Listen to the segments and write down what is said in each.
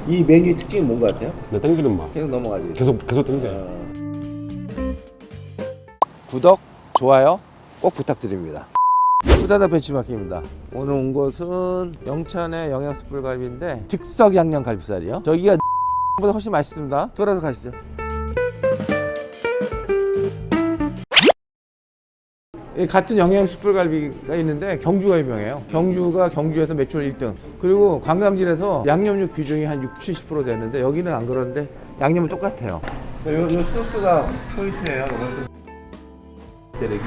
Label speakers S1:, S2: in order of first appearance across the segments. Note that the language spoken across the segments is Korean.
S1: 이 메뉴의 특징이 뭔 것 같아요?
S2: 네, 땡기는 맛.
S1: 계속 넘어가지.
S2: 계속 땡겨요.
S1: 구독, 좋아요 꼭 부탁드립니다. 후다닥 벤치마킹입니다. 오늘 온 곳은 영천의 영양숯불갈비인데 즉석 양념 갈비살이요. 저기가 보다 훨씬 맛있습니다. 돌아서 가시죠. 같은 영양숯불갈비가 있는데 경주가 유명해요. 경주가 경주에서 매출 1등. 그리고 관광지에서 양념육 비중이 한 60-70% 되는데 여기는 안 그런데 양념은 똑같아요. 요 소스가 포인트예요. 재래기.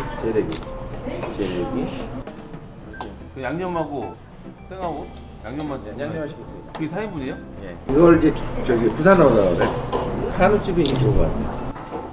S3: 그 양념하고 생하고 양념만
S1: 양념하시고 있어요.
S3: 그게 4인분이에요?
S1: 예. 이걸 이제 저기 부산으로 나오네. 한우집이 이게 좋은 것 같아요.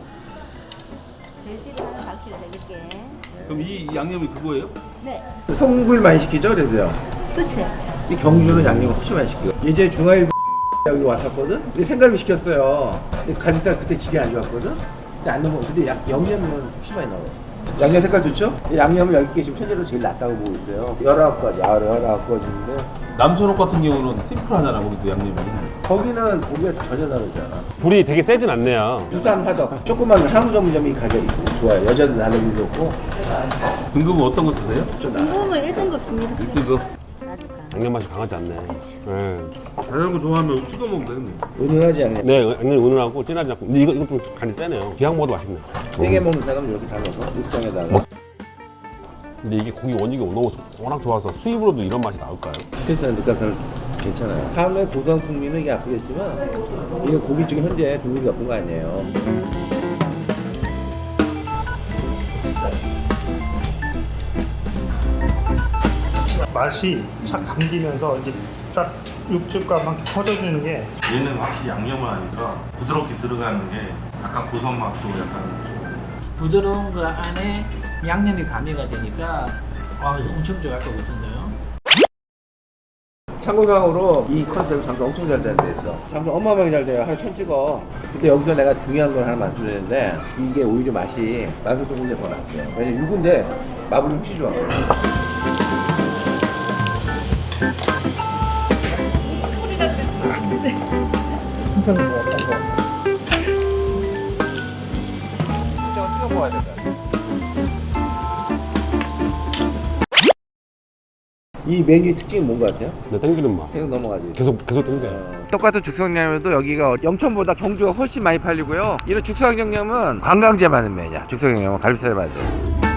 S4: 돼지를 한 4kg 드릴게.
S3: 그럼 이 양념이 그거예요?
S4: 네.
S1: 송굴 많이 시키죠, 그래서요.
S4: 그치?
S1: 이 경주는 양념을 훨씬 많이 시키고. 예전에 중화일 여기 왔었거든. 근데 생갈비 시켰어요. 근데 갈비살 그때 질이 안 좋았거든. 근데 안 넘어. 근데 양념은 훨씬 많이 나와요. 양념 색깔 좋죠? 양념을 여기 게 지금 현재로 제일 낫다고 보고 있어요. 19가지, 19가지인데
S3: 남천옥 같은 경우는 심플하잖아 거기도 양념이.
S1: 거기는 고기가 전혀 다르잖아.
S2: 불이 되게 세진 않네요.
S1: 부산 화덕 조그만 한우 전문점이 가격이 좋아요. 여자들 나누기 좋고.
S3: 등급은 어떤 거 쓰세요?
S4: 궁금은 1등급 씁니다.
S3: 등급.
S4: 놔줄까?
S2: 양념 맛이 강하지 않네. 네.
S3: 자전거 좋아하면 찍어 먹으면 되겠네.
S1: 은은하지 양념.
S2: 네, 양념이 은은하고 진하지 않고. 근데 이거 좀 간이 세네요. 기왕 먹어도 맛있네.
S1: 세게 먹는 사람은 이렇게 담아서 육장에다가.
S2: 근데 이게 고기 원익이 너무 워낙 좋아서 수입으로도 이런 맛이 나올까요?
S1: 스페이스는 느낌은 괜찮아요. 삶의 고전 국민은 이게 아프겠지만 이게 고기 중에 현재 등급이 높은 거 아니에요.
S5: 맛이 착 감기면서 이제 쫙 육즙과 막 퍼져주는 게
S6: 얘는 확실히 양념을 하니까 부드럽게 들어가는 게 약간 고소한 맛도 약간 좀
S7: 부드러운 그 안에 양념이 가미가 되니까 엄청 좋아할 것 같은데요.
S1: 참고상으로 이 컨셉 장사 엄청 잘 되는 데 있어. 장사 어마어마하게 잘 돼요. 하루 1000 찍어. 근데 여기서 내가 중요한 걸 하나 말씀드리는데 이게 오히려 맛이 만수 조금이 더 났어요. 왜냐면 육인데 마블이 훨씬 좋아요. 신선한 거 어떤 거? 찍어 먹어야 된다. 이 메뉴의 특징이 뭔 것 같아요?
S2: 네, 땡기는 맛.
S1: 계속 넘어가지.
S2: 계속 땡겨요.
S1: 똑같은 죽성양념도 여기가 영천보다 경주가 훨씬 많이 팔리고요. 이런 죽성양념은 관광지에 맞는 메뉴야. 죽성양념은 갈비살에 맞아요.